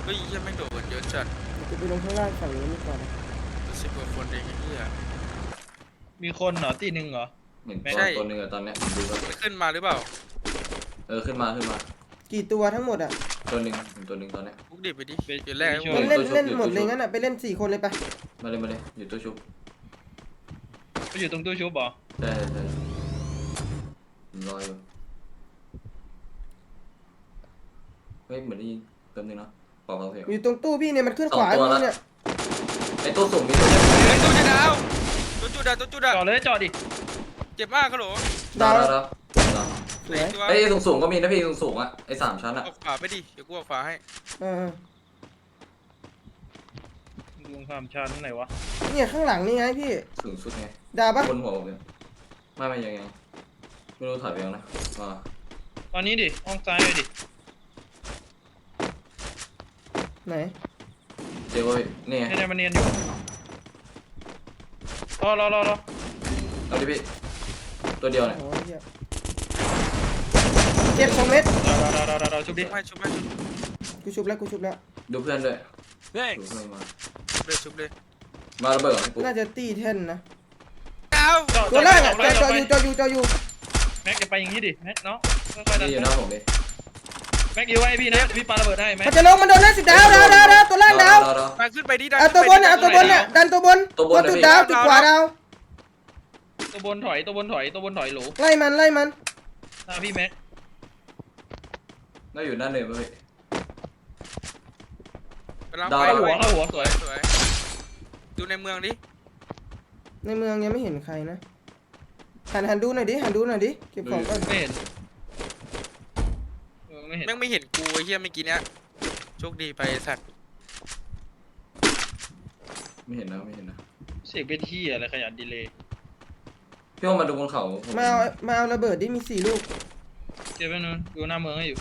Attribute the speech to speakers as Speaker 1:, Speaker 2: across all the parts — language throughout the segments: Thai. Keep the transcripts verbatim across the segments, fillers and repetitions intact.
Speaker 1: เฮ้ยยังไม่โดดเยอะจัด
Speaker 2: จะไปลงข้างล่างฝั่งนี้ดีกว่านะ
Speaker 1: สิบกว่าคนเองไอ้เหี้ย
Speaker 3: มีคนเหรอตีหนึ่งเหรอ
Speaker 4: เห็นตัวตัวหนึ่งอะตอนเนี้ยดูแล้ว
Speaker 1: ขึ้นมาหรือเปล่า
Speaker 4: เออขึ้นมาขึ้นมา
Speaker 2: กี่ตัวทั้งหมดอ่ะ
Speaker 4: ตัวหนึ่งตัวหนึ่งตอนเนี้ย
Speaker 1: พุกดิบไปดิเดี๋ยวแรก
Speaker 2: เล่นเล่นหมดเลยงั้นอ่ะไปเล่นสี่คนเลยไป
Speaker 4: มาเลยมาเลยอยู่ตัวชุบ
Speaker 3: ไปอยู่ตรงตู้ชุบเหรอ
Speaker 4: ใช่ใช่รออยู่เฮ้ยเหมือนได้ยินเติมนึงเนาะปอกเราเพลง
Speaker 2: อยู่ตรงตู้พี่เนี่ยมันขึ้นขวาพี่เนี่ย
Speaker 4: ไอตัวสูงมีตัว
Speaker 1: ไอ้ตัวจะดาวตัวจุดดาวตัวจุดดาว
Speaker 3: จอดเลยจอดดิ
Speaker 1: เจ็บมากครับหรอ
Speaker 4: ดาวดาว
Speaker 2: สวย
Speaker 4: ไอ้สูงสูงก็มีนะพี่สูงสูงอ่ะไอ้สามชั้นอ่ะ
Speaker 1: ออกขวาไปดิเดี๋ยวกูออกขวาให้
Speaker 2: เออ
Speaker 3: ลงสามชั้นไหนวะ
Speaker 2: เนี่ยข้างหลังนี่ไงพี่
Speaker 4: สูงสุดไง
Speaker 2: ดาวปะ
Speaker 4: บนหัวผมเนี่ยไม่ไม่ยังไงไม่รู้ถ่ายไปยังนะอ่า
Speaker 3: ตอนนี้ดิห้องซ้ายเลยดิ
Speaker 2: ไหน
Speaker 4: เจ้าเนี่ย
Speaker 3: ให้ได้มาเนียนอยู่รอรอรอรอ
Speaker 4: เอาดิพี่ตัวเดียวเนี่ย
Speaker 2: เจ็บสองเม็ด
Speaker 3: รอรอรอรอรอชุบดิ
Speaker 1: ไม่ชุบไม่ชุบ
Speaker 2: กูชุบแล้วกูชุบแล้ว
Speaker 4: ดูเพื่อนด้วย
Speaker 1: ดูเพื่อนมาเลยชุบเลย
Speaker 4: มาระเบิด
Speaker 2: น่าจะตีแท่นนะ
Speaker 1: เ
Speaker 2: ตัวแรกอะจออยู่จออยู่จออยู่
Speaker 3: แม็กจะไปอย่างนี้ดิแม็กเนาะค่อยๆดัน
Speaker 4: อยู่หน้าผมดิ
Speaker 3: แม็กอยู่ไว้พี่นะพี่ปาระเบิดให้แม็ก
Speaker 2: มันจะลงมันโดนแล้วสิบดาวดาวดาวดาวตัวล่างดาว
Speaker 1: มาขึ้นไปดิดัน
Speaker 2: เอาตัวบนเอาตัวบนเนี่ยดันตัวบนตัวจุดดาวจุดขวาดาว
Speaker 3: ตัวบนถอยตัวบนถอยตัวบนถอยหลู
Speaker 2: ไล่มันไล่มัน
Speaker 3: หน้าพี่แม็ก
Speaker 4: น่าอยู่หน้าเนินเลย
Speaker 1: ดาว
Speaker 3: หัวเข้าหัวสวย
Speaker 1: สวยดูในเมืองดิ
Speaker 2: ในเมืองยังไม่เห็นใครนะหันหันดูหน่อยดิหันดูหน่อยดิเก็บของก่อน
Speaker 3: ไม่เห็น
Speaker 1: ไม่เห็นแม่งไม่เห็นกูไอ้เหี้ยเมื่อกี้เนี้ยโชคดีไปสัตว์
Speaker 4: ไม่เห็นนะไม่เห็นนะ
Speaker 3: เสียงเป็นที่อะไรขยันดีเลย
Speaker 4: พี่ว่ามาดูบนเขา
Speaker 2: มาเอามาเอาระเบิดดิมีสี่ลูก
Speaker 3: เจ็บไปนู้นดูหน้าเมืองให้อยู่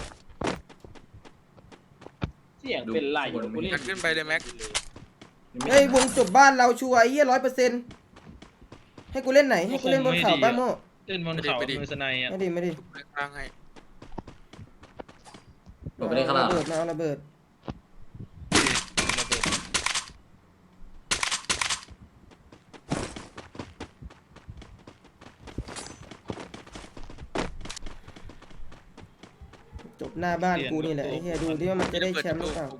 Speaker 5: เสียงเป็นไหล
Speaker 1: กันขึ้นไปเลยแม็ก
Speaker 2: เฮ้ยวงจบบ้านเราชัวร์ไอ้เหี้ยร้อยเปอร์เซ็นต์ให้กูเล่นไหนให้กูเล่นบนเขาป้าโม่
Speaker 3: เล่นบนเขามือสไนอ่ะ
Speaker 2: ไม่ดีไม่ดี
Speaker 1: ร่างให้
Speaker 4: ผมไม่ได้ขนาด
Speaker 2: ระเบิดมาเอาระเบิดจบหน้าบ้านกูนี่แหละไอ้เหี้ยดูดิว่ามันจะได้แชมป์หรือเปล่า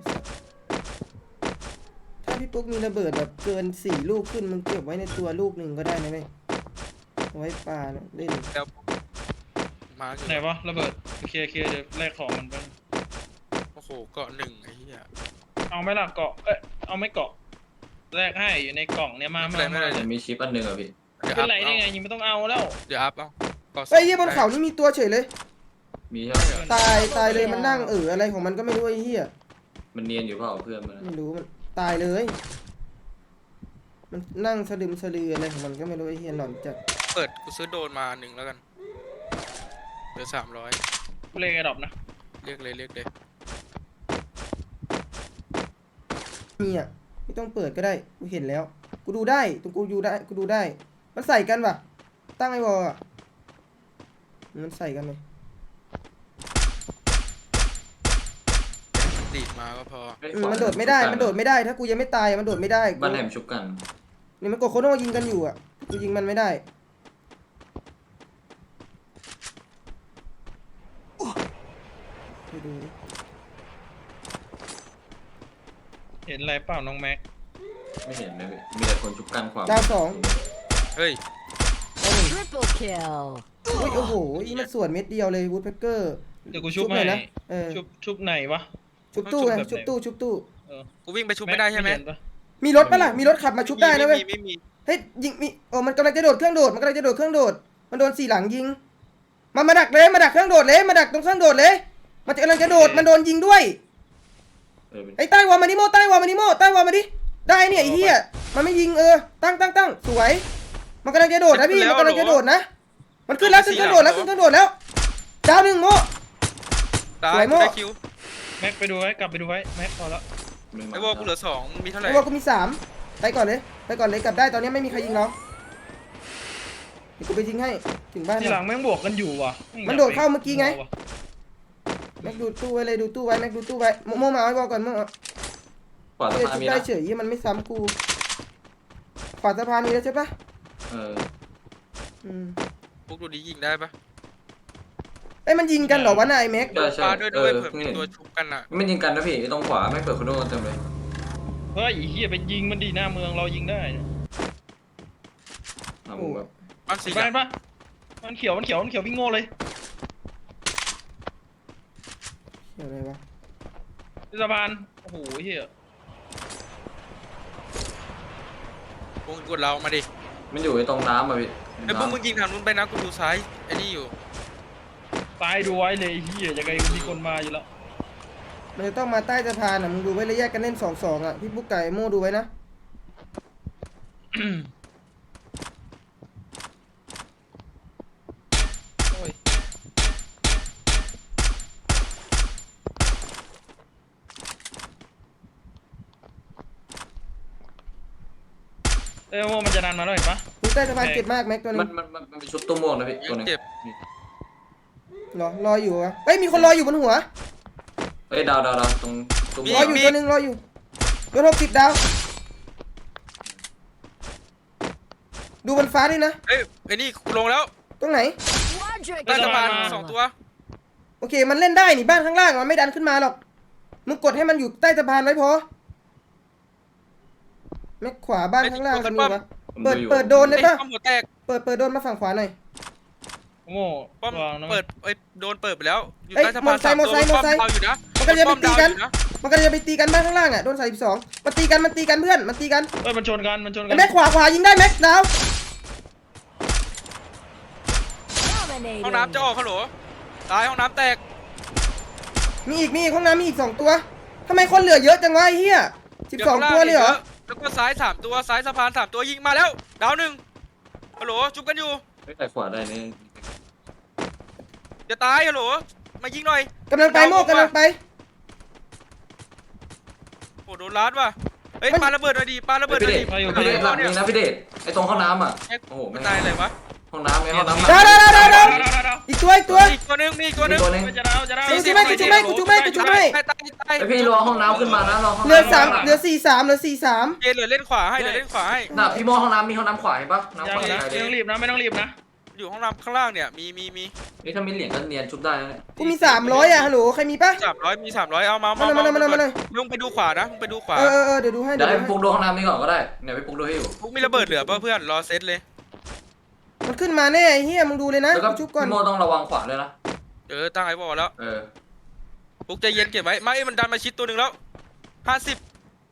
Speaker 2: ถ้าพี่ปุ๊กมีระเบิดแบบเกินสี่ลูกขึ้นมึงเก็บไว้ในตัวลูกหนึ่งก็ได้นะเว้ยไว้ปลาเล่น
Speaker 1: มา
Speaker 3: ไหนวะระเบิดเคลียร์เคลียร์เดี๋ยวแลกของมันไป
Speaker 1: โอ้โหเกาะหนึ่งไอ้เหี้ย
Speaker 3: เอาไหมล่ะเกาะเอ้ยเอาไม่เกาะแลกให้อยู่ในกล่องเนี่ยมา
Speaker 1: ไม่ได้ไม่ได้
Speaker 4: มีชิปอันหนึ่งอ่ะพี่
Speaker 3: เป็นไรได้ไงยังไม่ต้องเอาแล้ว
Speaker 1: เดี๋ยวอัพเอา
Speaker 2: เฮ้ยยี่บนเขานี่มีตัวเฉยเลย
Speaker 4: มีใช่ไหม
Speaker 2: ตายตายเลยมันนั่งเอออะไรของมันก็ไม่รู้ไอ้เหี้ย
Speaker 4: มันเนียนอยู่เปล่าเพื่อนมัน
Speaker 2: ไม่รู้มันตายเลยมันนั่งสะดึมสะลืออะไรของมันก็ไม่รู้ไอ้เหี้ยหลอนจัด
Speaker 1: เปิดกูซื้อโดนมาหนึ่งแล้วกันเหลือสามร้อย
Speaker 3: เรียกไอ้ดอกนะ
Speaker 1: เรียกเลยเรียกเลย
Speaker 2: นี่อ่ะไม่ต้องเปิดก็ได้กูเห็นแล้วกูดูได้ตรงกูดูได้กูดูได้มันใส่กันป่ะตั้งไอ้วอลอ่ะมันใส่กันเลย
Speaker 1: ตีมาก็พอ
Speaker 2: มันโดดไม่ได้มันโดดไม่ได้ถ้ากูยังไม่ตายมันโดดไม่ได้
Speaker 4: บ้านแหมชุบกัน
Speaker 2: นี่มันกดโคโน่ยิงกันอยู่อ่ะกูยิงมันไม่ได้ดู
Speaker 3: เห็นอะไรเปล่าน้องแม็ก
Speaker 4: ไม่เห็นเลยมีแต่คนชุบกันความ
Speaker 2: ดาวสอง
Speaker 1: เฮ้ย
Speaker 6: Triple kill
Speaker 2: อุ้ยโอ้โหอีมันส่วนเม็ดเดียวเลยวูดเพกเกอร์
Speaker 3: เดี๋ยวกูชุบให้นะชุบชุบไหนวะ
Speaker 2: ชุบตู้ไงชุบตู้ชุบตู้
Speaker 1: กูวิ่งไปชุบไม่ได้ใช่ไหม
Speaker 2: มีรถปะล่ะมีรถขับมาชุบได้นะเว้ยเฮ้ยยิงมีโอ้มันกำลังจะโดดเครื่องโดดมันกำลังจะโดดเครื่องโดดมันโดนสี่หลังยิงมันมาดักเลยมาดักเครื่องโดดเลยมาดักตรงเครื่องโดดเลยมันกำลังจะโดดมันโดนยิงด้วยไอ้ใต้วอลมาดิโมใต้วอลมาดิโมใต้วอลมาดิได้เนี่ยไอ้เหี้ยมันไม่ยิงเออตั้งตั้งตั้งสวยมันกำลังจะโดดนะพี่มันกำลังจะโดดนะมันขึ้นแล้วขึ้นเครื่องโดดแล้วขึ้นเครื่องโดดแล้วดาวหนึ่งโมสวยโม
Speaker 3: แม็กไปดูไว้กลับไปดูไว้แม็กพอแล้ว
Speaker 1: ไอ้วอลกูเหลือสองมีเท่าไหร่
Speaker 2: ไอ้วอลกูมีสามไปก่อนเลยไปก่อนเลยกลับได้ตอนนี้ไม่มีใครยิงน้องเดี๋ยวกูไปยิงให้ถึงบ้าน
Speaker 3: ทีหลังแม่งบวกกันอยู่ว่ะ
Speaker 2: มันโดดเข้าเมื่อกี้ไงแม็กดูตู้ไว้เลยดูตู้ไว้แม็กดูตู้ไว้โมโมมาเอาไว้บอกก่อนโม
Speaker 4: ขวา
Speaker 2: เฮ้
Speaker 4: สะ
Speaker 2: ย
Speaker 4: พานมี
Speaker 2: ได้
Speaker 4: นะ
Speaker 2: เฉยมันไม่ซ้ำกูขวาสะพานมีแล้วใช่ปะ
Speaker 4: เออ
Speaker 2: อืม
Speaker 1: พวกดูดียิงได้ปะ
Speaker 2: เอ้ยมันยิงกันเหรอวะนายแม็ก
Speaker 4: ใช่ใช่
Speaker 1: ปาด้วย
Speaker 4: เอ
Speaker 1: ด้วย
Speaker 4: อ
Speaker 1: เผื่อ
Speaker 4: เพิ่ง
Speaker 1: มี
Speaker 4: เห็น
Speaker 1: ตัวชุบกันอ่ะ
Speaker 4: ไม่ยิงกันนะพี่ไอ้ตรงขวาไม่เปิดคอนโดเต็มเลย
Speaker 3: เฮ้ยไอ้เฮียไปยิงมันดีหน้าเมืองเรายิงได้นะ
Speaker 4: อ่ะผมแบบ
Speaker 1: บ้านสี
Speaker 3: เห็นปะมันเขียวมันเขียวมันเขียววิ่งโง่เลย
Speaker 2: เดี๋ยวอะไรวะ
Speaker 3: ที่สะพานโอ้โหเฮียว
Speaker 1: งกดเรามาดิ
Speaker 4: มันอยู่ไอ้ตรงน้ำอ่ะพี่
Speaker 1: ไอ้พวกมึงยิงทางนู้นไปนะกูดูซ้ายไอ้นี่อยู่
Speaker 3: ตายดูไว้เลยไอ้เฮียยังไงมีคนมาอยู่แล้ว
Speaker 2: มันจะต้องมาใต้สะพานอ่ะมึงดูไว้เลยแยกกันเล่นสองสองอ่ะพี่ปุ๊กไก่โม่ดูไว้นะ
Speaker 3: โอ้ยเอ้ยโม่มันจะนานมาแล้วเห็นปะ
Speaker 2: ดูใต้สะพานเจ็บมากแม็กตัวนึ
Speaker 4: มัน
Speaker 2: ง
Speaker 4: มันมันมันเป็นชุดตัวม่วงนะพี่ตัวหนึง
Speaker 1: เจ็บ
Speaker 2: รอรออยู่วะเฮ้ยมีคนรออยู่บนหัว
Speaker 4: เฮ้ยดาวดาวดาวตรงตัว
Speaker 2: ร
Speaker 4: ม่
Speaker 2: อ
Speaker 4: วง
Speaker 2: อยู่ตัวนึงรออยู่โดนหกสิบดาวดูบนฟ้าด้วยนะ
Speaker 1: เอ้ยไอ้นี่ลงแล้ว
Speaker 2: ตรงไหน
Speaker 6: Quadra
Speaker 1: ใต้สะพาน
Speaker 6: kill.
Speaker 1: สองตัว
Speaker 2: โอเคมันเล่นได้นี่บ้านข้างล่างมันไม่ดันขึ้นมาหรอกมึงกดให้มันอยู่ใต้สะพานไว้พอแม็กขวาบ้านข้างล่างจะมีปะ
Speaker 4: ผม
Speaker 2: เปิด
Speaker 4: อยู่
Speaker 2: เปิดโดนได้
Speaker 1: ไอ้
Speaker 2: ปะ
Speaker 1: ป้อมหัวแตก
Speaker 2: เปิดเปิดโดนมาฝั่งขวาหน่อย
Speaker 3: โง่
Speaker 1: ป้อม
Speaker 3: วางนะ
Speaker 1: เปิดไอ้ยโดนเปิดไปแล้วอยู่
Speaker 2: เอ้ย
Speaker 1: ใต้สะพานสาม
Speaker 2: มอ
Speaker 1: ตัว
Speaker 2: ไซค์มอไซค์
Speaker 1: ป้อมดาวอยู่นะ
Speaker 2: มันก็จะไปตีกัน
Speaker 1: ป้อมดาวอยู่ะ
Speaker 2: มันก็จะไปตีกันบ้านข้างล่างอ่ะโดนใส่สิบสองมันตีกันมันตีกันเพื่อนมันตีกัน
Speaker 3: เอ้ยมันชนกันมันชนกั
Speaker 2: ไอ้แม็กขวาขวายิงได้แม็กดาว
Speaker 1: ห้องน้ำจะออกฮัลโหลตายห้องน้ำแตก
Speaker 2: มีอีกมีอีกห้องน้ำมีอีกสองตัวทำไมคนเหลือเยอะจังวะไอ้เหี้ยสิบสองตัวเลยเหรอ
Speaker 1: แล้วก็ซ้ายสามตัวซ้ายสะพานสามตัวยิงมาแล้วดาวหนึ่งฮัลโหลจุบกันอยู่
Speaker 4: เฮ้ยแต่ขวาได้นี่
Speaker 1: จะตายฮัลโหลมายิงหน่อย
Speaker 2: กำลังไปโม่กำลังไป
Speaker 1: โอ้โดนลัดว่ะเฮ้ย
Speaker 2: มัน
Speaker 1: ปาระเบิดหน่อยดิปาระเบิดหน่อยดิ
Speaker 4: พี่เดชหลัง
Speaker 1: เนี่ย
Speaker 4: นี้นะพี่เดชไอ้ตรงห้องน้ำอ่ะ
Speaker 1: แม็ก
Speaker 4: โอ้โห
Speaker 1: มัน
Speaker 4: ไม่
Speaker 1: ตายอะไรวะ
Speaker 4: ห้องน้ำไงห้องน้ำ
Speaker 2: ดาวดาวดาวดาวดาว
Speaker 3: ดาวดาวดาว
Speaker 2: อีกตัวอีกตัว
Speaker 1: อีกตัวหนึงมีอีกตัวหนึง
Speaker 4: ตัวนึง
Speaker 3: จะดาวจะดาว
Speaker 2: กูจุ๊บให้กูจุ๊บให้กูจุ๊บให้กูจุ๊บให้
Speaker 1: ตายตายตาย
Speaker 4: ไอพี่รอห้องน้ำขึ้นมานะรอห้อง
Speaker 2: เหลือ
Speaker 4: น้ำ
Speaker 2: สามเหลือสี่สามเหลือสี่สาม
Speaker 1: เจเหลือเล่นขวาให้เหลือเล่นขวาให้
Speaker 4: น่ะพี่โมห้องน้ำมีห้องน้ำขวาเห็นปะน้ำ
Speaker 3: ยั
Speaker 4: ข
Speaker 3: ง
Speaker 4: วา
Speaker 3: นะ
Speaker 4: ใคร
Speaker 3: ไม่
Speaker 4: เล
Speaker 3: ต้องรี
Speaker 4: ย
Speaker 3: บนะไม่ต้องรีบนะ
Speaker 1: อยู่ห้องน้ำข้างล่างเนี่ยมีมีมี
Speaker 4: นี่ถ้ามีเหรียญก็เนียนชุบได้นะเนี่ย
Speaker 2: กูมีสามร้อยอ่ะฮัลโหลใครมีปะ
Speaker 1: สามร้อยมีสามร้อยเอามา
Speaker 2: มาหน่อยมาหน่อยมาหน่อย
Speaker 1: มึงไปดูขวานะมึงไปดูขวา
Speaker 2: เออเออเออเดี๋ยวดูให้
Speaker 4: เดี๋
Speaker 2: เดี๋
Speaker 4: ย
Speaker 2: ยว ว
Speaker 4: ให้
Speaker 2: ดู
Speaker 4: พี่ปุ๊กดูห้องน้ำนี่ก่อนก็ได้เนี่ยพี่ปุ๊กดูให้อยู่
Speaker 1: พวกมีระเบิดเหลือป่ะเพื่อนรอเซตเลย
Speaker 2: มันขึ้นมาแน่ไอ้เหี้ยมึงดูเลยนะ
Speaker 4: แล้วก็
Speaker 2: กูชุบก่อน
Speaker 4: พี่โมต้องระวังขวาด้วยนะ
Speaker 1: เออตั้งไอ้บอลแล้ว
Speaker 4: เออ
Speaker 1: พวกใจเย็นเก็บไว้ไม่มันดันมาชิดตัวหนึ่งแล้วห้าสิบ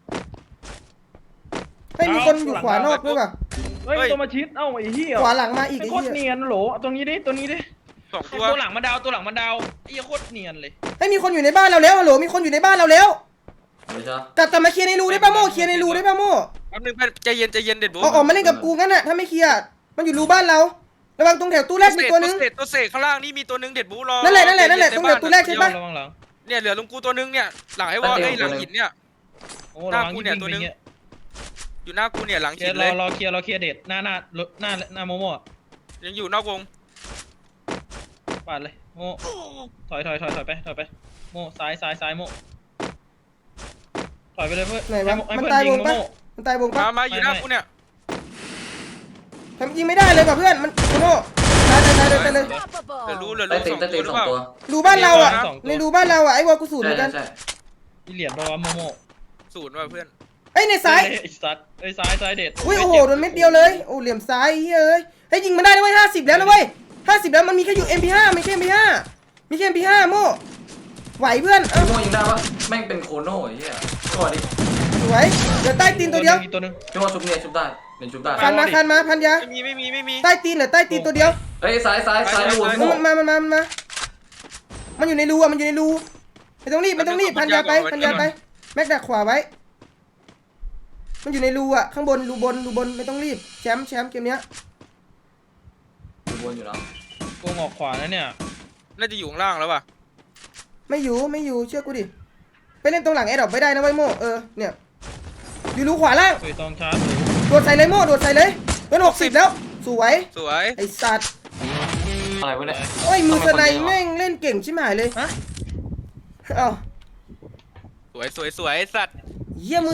Speaker 2: เฮ้ยมีคนอยู่ขวานอกด้วยป่ะ
Speaker 3: เฮ้ยตัวมาชิดเอ้าไอ้เหี้ย
Speaker 2: ขวาหลังมาอีก
Speaker 3: ไอ้
Speaker 2: ไอ้
Speaker 3: โคตร
Speaker 2: เหี้ย
Speaker 3: เนียนโหลตัวนี้ดิตัวนี้ดิ
Speaker 1: สอง
Speaker 3: ตั
Speaker 1: ตัว
Speaker 3: วหลังมันดาวตัวหลังมันดาวไอ้เหี้ยโคตรเนียนเลย
Speaker 2: เฮ้ยมีคนอยู่ในบ้านเราแล้วฮัลโหลมีคนอยู่ในบ้านเราแล้ว
Speaker 4: ไม่ใช่
Speaker 2: กลับกลับมาเคลียร์ในรูได้ป่ะโม่เคลียร์ในรูได้ป่ะโม่
Speaker 1: แป๊บนึงใจเย็นใจเย็นเด็ดบุ๊
Speaker 2: เอาออกมาเล่นกับกูงั้นน่ะถ้าไม่เคลียร์มันอยู่รูบ้านเราระวังตรงแถวตู้แรกมีตัวนึง
Speaker 1: เศษตัวเศษข้างล่างนี่มีตัวหนึงเด็ดบุ๊รอ
Speaker 2: นั่นแหละนั่นแหละนั่นแหละตรงแถวตู้แรกใช่ปะ
Speaker 3: ระวังหลัง
Speaker 1: เนี่ยเหลือลุงกูตัวหนึงเนี่ยหลังไอ้วอลไอ้หลังหินเนี่ย
Speaker 3: โอ้ระวัง
Speaker 1: หน้ากู
Speaker 3: ยิง
Speaker 1: เนี่ย
Speaker 3: ยิง
Speaker 1: ตัว
Speaker 3: ไป
Speaker 1: นึง
Speaker 3: เงี้ย
Speaker 1: อยู่หน้ากูเนี่ยหลัง
Speaker 3: เคลี
Speaker 1: หิ
Speaker 3: ย
Speaker 1: น
Speaker 3: ร์ร
Speaker 1: เล
Speaker 3: อย รอเคลียร์รอเคลียร์เด็ดหน้าหน้าหน้าหน้าโมโม่อะ
Speaker 1: ยังอยู่นอกวง
Speaker 3: ปาดเลยโม่ถอยถอยถอยถอยไปถอยไปโม่ซ้ายซ้ายซ้ายโม่ถอยไปเลยเพื่อน
Speaker 2: ไหนวะ
Speaker 3: ให้
Speaker 2: มัน
Speaker 3: เพื่อน
Speaker 2: ตาย
Speaker 3: ยิ
Speaker 2: ว
Speaker 3: ง
Speaker 2: งปะ
Speaker 3: โม่
Speaker 2: มันตายวง
Speaker 1: มา
Speaker 2: ปะ
Speaker 1: มาอยู่หน้ากูเนี่ย
Speaker 2: ทำยิงไม่ได้เลยป่ะเพื่อนมันโม่ตายตายตายตายตายเลย
Speaker 1: เหลือรู้เหลือ
Speaker 4: ใต้
Speaker 1: รู้
Speaker 4: ตี
Speaker 1: ส
Speaker 4: น
Speaker 1: อง
Speaker 4: ใต้
Speaker 1: ตั
Speaker 4: ตี
Speaker 1: วน หรือเปล่า
Speaker 4: สองตัว
Speaker 2: รูบ้านเราอ่ะในรูบ้านเราอ่ะไอ้วอลกูสูดเห
Speaker 4: ใช่
Speaker 2: มือนกัน
Speaker 4: ใช่
Speaker 3: มีเหรียญปะวะโมโม่
Speaker 1: ศูนย์ว่ะเพื่อน
Speaker 2: เอ้ยในซ้าย
Speaker 3: เฮ้ไอ้สัตว์ไอ้ยซ้ายซ้ายเด็ด
Speaker 2: อุ้ยโอ้โหโดนเม็ดเดียวเลยโอ้เหลี่ยมซ้ายเฮ้ยเฮ้ยยิงมันได้ด้วยเวยห้าสิบแล้วนะเว้ยห้าสิบแล้วมันมีแค่อยู่ เอ็ม พี ห้า ไม่ใช่ เอ็ม พี ห้า มีแค่ เอ็ม พี ห้า โม่ไหวเพื่อนเอ้า
Speaker 4: พี่โมยิงได้ปะแม่งเป็นโคโน่ไอ้เหี้ยตัวดิ
Speaker 2: สวยเดี๋ยวใต้ตีนตัวเดียว
Speaker 3: อีกตัวหนึง
Speaker 4: พี่โมชุบเนี่ยชุบได้เป็นชุบได้
Speaker 2: คันมาคันมาพันยา
Speaker 1: ไม่มีไม่มีไม่มี
Speaker 2: ใต้ตีนเหรอใต้ตีนตัวเดียว
Speaker 4: เฮ้ยซ้ายซ้ายซ้ายรูพี่โม
Speaker 2: มันมามันมามันมามันอยู่ในรูอ่ะมันอยู่ในรูไม่ต้องรีบไม่ต้องรีบพันยาไปพันยาไปแม็กดักขวาไว้มันอยู่ในรูอ่ะข้างบนรูบนรูบนไม่ต้องรีบแชมป์แชมป์เกมเนี้ย
Speaker 4: ดูวนอยู่แล้ว
Speaker 3: กูงอกขวานะเนี่ย
Speaker 1: น่าจะอยู่ข้างล่างแล้วป่ะ
Speaker 2: ไม่อยู่ไม่อยู่เชื่อกูดิไปเล่นตรงหลังแอร์ดรอปไม่ได้นะไว้ยโม่เออเนี่ยอยู่รูขวาล่าง
Speaker 3: เฮ้ยต้องชาร์จเลย
Speaker 2: โดดใส่เลยโม่โดดใส่เลยเป็นหกสิบแล้วสวย
Speaker 1: สวย
Speaker 2: ไอ้สัตว์
Speaker 4: อะไรวะเนี่ย
Speaker 2: โอ้ยมือสไนแม่งเล่นเก่งชิบหายเลย
Speaker 3: ฮะ
Speaker 2: เอ้า
Speaker 1: สวยสวยสวยสัตว์
Speaker 2: เยี่ยมมือ